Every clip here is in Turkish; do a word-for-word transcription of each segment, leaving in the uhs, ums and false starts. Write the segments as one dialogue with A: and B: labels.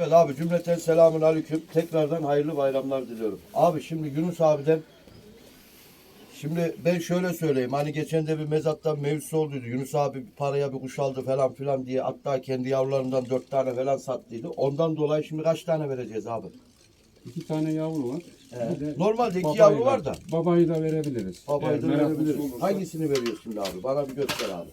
A: Evet abi, cümleten selamun aleyküm. Tekrardan hayırlı bayramlar diliyorum. Abi şimdi Yunus abiden, şimdi ben şöyle söyleyeyim. Hani geçen de bir mezattan mevzusu olduydu. Yunus abi paraya bir kuş aldı falan filan diye. Hatta kendi yavrularından dört tane falan sattıydı. Ondan dolayı şimdi kaç tane vereceğiz abi?
B: İki tane yavru var.
A: Ee,
B: Bir de
A: normalde iki
B: babayı
A: yavru
B: da-
A: var da.
B: Babayı da verebiliriz.
A: Babayı
B: Eğer
A: da
B: meraklısı
A: verebiliriz.
B: olursa-
A: Hangisini veriyorsun şimdi abi? Bana bir göster abi.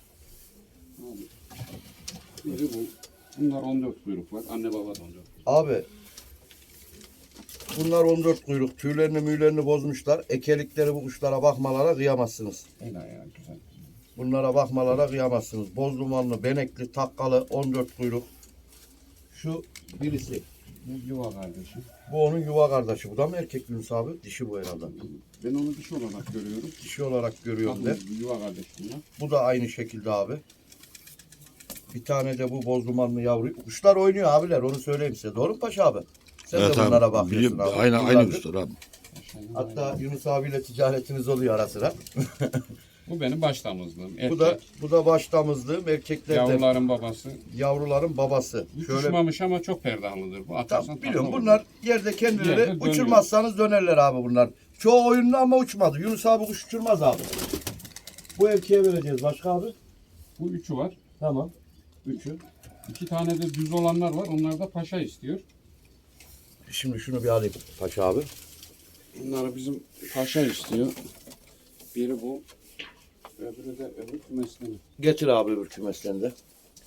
B: Biri bu. Bunlar on dört kuyruk var. Anne baba da on dört.
A: Abi bunlar on dört kuyruk. Tüylerini müylerini bozmuşlar. Ekelikleri bu kuşlara bakmalara kıyamazsınız.
B: Helal ya, güzel.
A: Bunlara bakmalara kıyamazsınız. Boz dumanlı, benekli, takkalı on dört kuyruk. Şu birisi.
B: Bu yuva kardeşi.
A: Bu onun yuva kardeşi. Bu da mı erkek Yunus abi? Dişi bu herhalde.
B: Ben onu dişi olarak görüyorum.
A: Dişi olarak görüyorum de.
B: Bakın, yuva kardeş bunlar.
A: Bu da aynı şekilde abi. Bir tane de bu boz dumanlı yavru. Kuşlar oynuyor abiler, onu söyleyeyim size. Doğru mu Paşa abi? Sen
C: Evet
A: de bunlara
C: abi,
A: bakıyorsun
C: biliyorum.
A: abi.
C: Aynı, aynı
A: Yıllardır.
C: kuşlar abi.
B: Aşağıya
A: Hatta Yunus abiyle ticaretiniz oluyor ara sıra.
B: Bu benim baş damızlığım. Erkek.
A: Bu da bu da baş damızlığım, erkeklerden.
B: Yavruların babası.
A: Yavruların babası. Şöyle
B: Uçmamış ama çok perdalıdır. Bu atarsan
A: tamam, biliyorum
B: takla
A: bunlar
B: olur.
A: yerde kendileri
B: Yerde dönüyor.
A: uçurmazsanız dönerler abi bunlar. Çoğu oyunlu ama uçmadı. Yunus abi kuş uçurmaz abi. Bu erkeğe vereceğiz başka abi.
B: Bu üçü var.
A: Tamam. Üçü.
B: İki tane de düz olanlar var. Onlar da paşa istiyor.
A: Şimdi şunu bir alayım Paşa abi.
B: Bunları bizim paşa istiyor. Biri bu. Öbürü de öbür kümesleri.
A: Getir abi öbür kümeslerini de.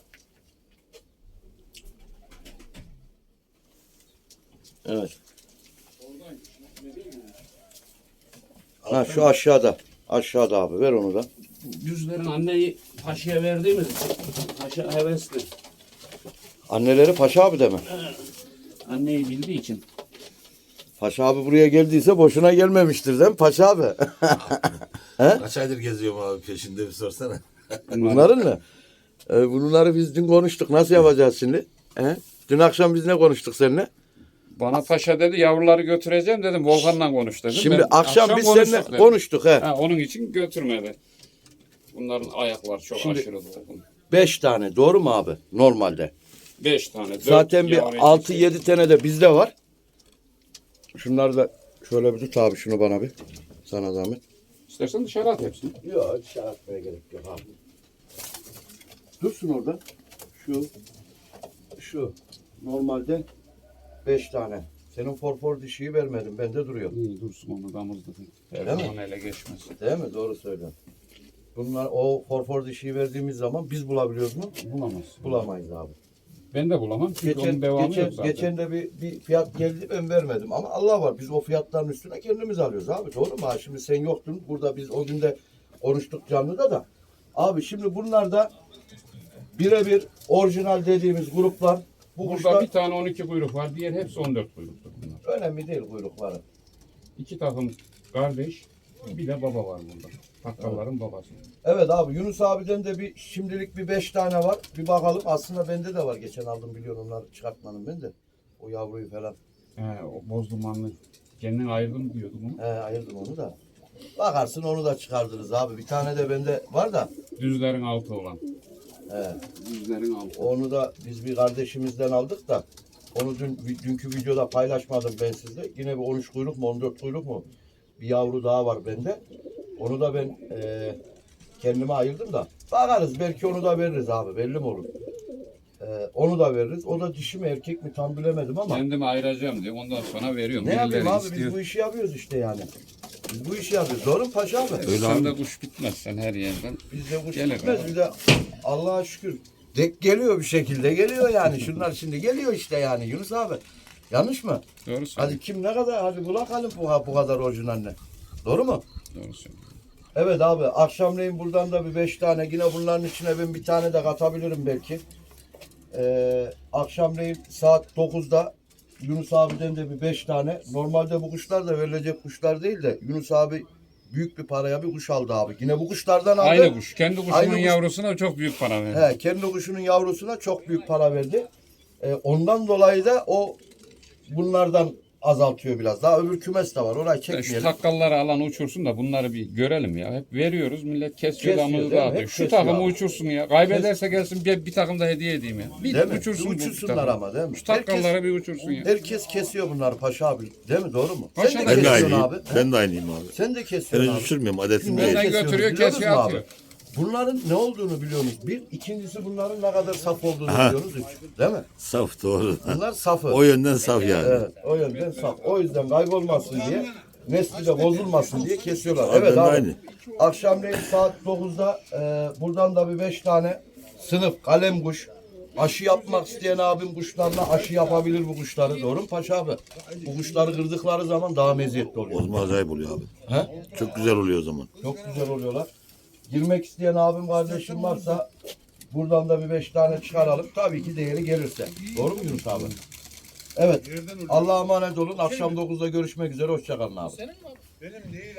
A: Evet. Ha şu aşağıda. Aşağıda abi, ver onu da.
B: Düzlerin anneyi paşaya verdiğimiz paşa hevesli.
A: Anneleri Paşa abi de mi?
B: Anneyi bildiği için.
A: Paşa abi buraya geldiyse boşuna gelmemiştir değil mi Paşa abi?
C: Kaç aydır geziyorum abi, peşinde bir sorsana.
A: Bunların mı? Ee, bunları biz dün konuştuk. Nasıl yapacağız şimdi? He? Dün akşam biz ne konuştuk seninle?
B: Bana paşa dedi yavruları götüreceğim dedim. Volkan'la konuş dedim.
A: Şimdi
B: Ben
A: akşam, biz
B: konuştuk
A: seninle
B: dedim.
A: konuştuk. He.
B: Ha, onun için götürmedi. Bunların ayakları çok
A: Şimdi-
B: aşırı dolgun.
A: Beş tane. Doğru mu abi? Normalde.
B: Beş tane. dört
A: Zaten
B: yavru
A: bir altı
B: yetişiyor.
A: yedi tane de bizde var. Şunları da şöyle bir tut abi, şunu bana bir. Sana zahmet.
B: İstersen dışarı at hepsini.
A: Yok, dışarı atmaya gerek yok abi. Dursun orada. Şu. Şu. Normalde beş tane. Senin forfor dişiyi vermedim. Bende duruyor.
B: İyi dursun, onu damızda.
A: Öyle mi?
B: Onun ele geçmesin.
A: Değil mi? Doğru söylüyorsun. Bunlar, o forfor dişiyi verdiğimiz zaman biz bulabiliyoruz mu?
B: Bulamazsın.
A: Bulamayız abi.
B: Ben de bulamam. Çünkü
A: Geçen,
B: onun devamı
A: geçen,
B: yok zaten.
A: geçen de bir, bir fiyat geldi, ben vermedim ama Allah var, biz o fiyatların üstüne kendimiz alıyoruz abi, doğru mu? Ha, şimdi sen yoktun burada, biz o gün de konuştuk canlıda da. Abi şimdi bunlar da birebir orijinal dediğimiz gruplar. Bu
B: Burada
A: kuşlar
B: bir tane on iki kuyruk var. Diğer hepsi on dört kuyruktur bunlar.
A: önemli değil kuyrukları.
B: İki takım kardeş. Bir de baba var burada. Takkalların babası.
A: Evet abi, Yunus abiden de bir şimdilik bir beş tane var. Bir bakalım, aslında bende de var, geçen aldım biliyorum, onları çıkartmadım ben de. O yavruyu falan.
B: He, o boz dumanlı. Kendin ayırdım diyordum onu.
A: He, ayırdım onu da. Bakarsın onu da çıkardınız abi. Bir tane de bende var da.
B: Düzlerin altı olan.
A: He.
B: Düzlerin altı.
A: Onu da biz bir kardeşimizden aldık da. Onu dün dünkü videoda paylaşmadım ben sizle. Yine bir on üç kuyruk mu on dört kuyruk mu? Bir yavru daha var bende. Onu da ben e, kendime ayırdım da. Bakarız, belki onu da veririz abi, belli mi olur? E, onu da veririz. O da dişi mi erkek mi tam bilemedim ama.
B: Kendimi ayıracağım diyor. Ondan sonra veriyorum.
A: Ne yapayım
B: Birileri
A: abi,
B: istiyor.
A: biz bu işi yapıyoruz işte yani. Biz bu işi yapıyoruz. Doğru mu Paşa abi?
C: Öyle
B: Sen
C: abi.
B: de kuş bitmez sen her yerden.
A: Bizde kuş
B: Gelir
A: gitmez.
B: abi.
A: Bir de Allah'a şükür dek geliyor, bir şekilde geliyor yani. Şunlar şimdi geliyor işte yani Yunus abi. Yanlış mı?
B: Doğru söylüyorsun.
A: Hadi kim ne kadar, hadi bulakalım bu, bu kadar orijinaline. Doğru mu?
B: Doğru söylüyorsun.
A: Evet abi, akşamleyin buradan da bir beş tane, yine bunların içine ben bir tane de katabilirim belki. Ee, akşamleyin saat dokuzda Yunus abiden de bir beş tane. Normalde bu kuşlar da verilecek kuşlar değil de Yunus abi büyük bir paraya bir kuş aldı abi. Yine bu kuşlardan aldı.
B: Aynı kuş. Kendi kuşunun
A: Aynı kuş.
B: yavrusuna çok büyük para verdi.
A: He, kendi kuşunun yavrusuna çok büyük para verdi. Ee, ondan dolayı da o bunlardan azaltıyor biraz. Daha öbür kümes de var. Orayı
D: Şu
A: çekmeyelim.
D: takkalları alan uçursun da bunları bir görelim ya. Hep veriyoruz, millet kesiyor,
A: Kesiyor,
D: damızı
A: değil mi?
D: dağıtıyor.
A: Hep
D: Şu
A: kesiyor
D: takımı
A: abi.
D: uçursun ya. Kaybederse gelsin bir, bir takım da hediye edeyim ya. Bir
A: Değil mi?
D: uçursun bu
A: Uçursunlar
D: takımı.
A: ama değil mi?
D: Şu takkalları bir uçursun ya.
A: Herkes kesiyor bunları Paşa abi. Değil mi? Doğru mu?
D: Paşa
A: Sen de
D: da
C: Ben de
A: kesiyorsun
C: aynıyım.
A: abi.
C: Ben de aynıyım abi.
A: Sen de
C: Ben
A: kesiyorsun
C: hiç
A: abi.
C: uçurmuyorum. Adetim
A: Niye
C: değil.
D: Benden
A: kesiyoruz
D: götürüyor,
A: biliyor
D: kesiyor,
A: musun
D: atıyor.
A: Bunların ne olduğunu biliyor musunuz? Bir, ikincisi bunların ne kadar saf olduğunu
C: Aha.
A: biliyorsunuz. Üç, değil mi?
C: Saf doğru.
A: Bunlar safı.
C: O yönden saf yani.
A: Evet, o yönden saf. O yüzden kaybolmasın diye, nesli de bozulmasın diye kesiyorlar.
C: Abi
A: Evet
C: ben de
A: abi.
C: aynı.
A: Akşamleyin saat dokuzda e, buradan da bir beş tane sınıf kalem kuş. Aşı yapmak isteyen abim kuşlarla aşı yapabilir bu kuşları. Doğru mu Paşa abi? Bu kuşları kırdıkları zaman daha meziyetli
C: O
A: oluyor.
C: zaman acayip oluyor abi.
A: He?
C: Çok güzel oluyor o zaman.
A: Çok güzel oluyorlar. Girmek isteyen abim kardeşim varsa buradan da bir beş tane çıkaralım. Tabii ki değeri gelirse. Doğru mu Yunus abi? Evet. Allah'a emanet olun. Akşam dokuzda görüşmek üzere. Hoşçakalın abi.